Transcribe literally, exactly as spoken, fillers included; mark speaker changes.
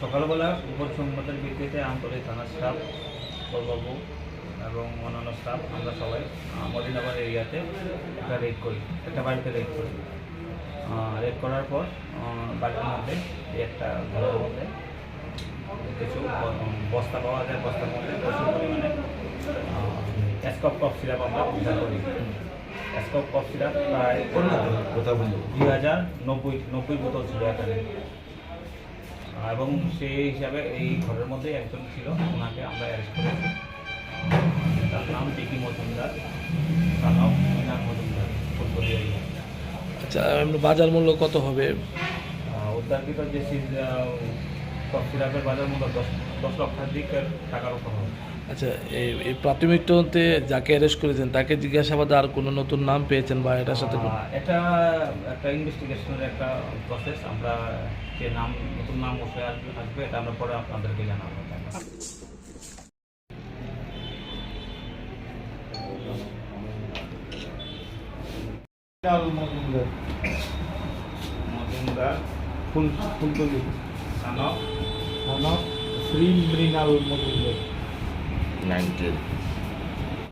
Speaker 1: সকালবেলা উপর সংবাদের ভিত্তিতে আন্তরিক থানা স্টাফ বাবু এবং অন্যান্য স্টাফ আমরা সবাই মদিনাবাদ এরিয়াতে একটা রেড করি, একটা বাড়িতে রেড করি। রেড করার পর বাড়ির মধ্যে একটা ঘরের মধ্যে কিছু বস্তা পাওয়া যায়, বস্তার মধ্যে প্রচুর পরিমাণে স্কপ কফ সিরাপ আমরা উদ্ধার করি। স্কপ কফ সিরাপ প্রায় দুই হাজার নব্বই নব্বই বোতল ছিল এখানে, এবং সেই হিসাবে এই ঘরের মধ্যে একজন ছিল, ওনাকে আমরা অ্যারেস্ট করেছি। তার নাম বিকি মজুমদার, তার নাম মিনার মজুমদার, ফুলকলি এরিয়া।
Speaker 2: আচ্ছা, বাজার মূল্য কত হবে?
Speaker 1: উদ্ধারকৃত যে কফ সিরাপের বাজার মূল্য দশ দশ লক্ষাধিকের টাকার উপর হবে।
Speaker 2: আচ্ছা, এই এই প্রাথমিক তদন্তে যাকে অ্যারেস্ট করেছেন তাকে জিজ্ঞাসাবাদে আর কোনো নতুন নাম পেয়েছেন বা এটার সাথে কোনো?
Speaker 1: এটা একটা ইনভেস্টিগেশনের একটা প্রসেস, আমরা যে নাম নতুন নাম বসে আসবে আসবে এটা আমরা পরে আপনাদেরকে জানাবো। মজুমদার
Speaker 3: ফুল ফুলকলি
Speaker 1: সানক
Speaker 3: শ্রী মৃণাল মজুমদার
Speaker 4: নাইনটিন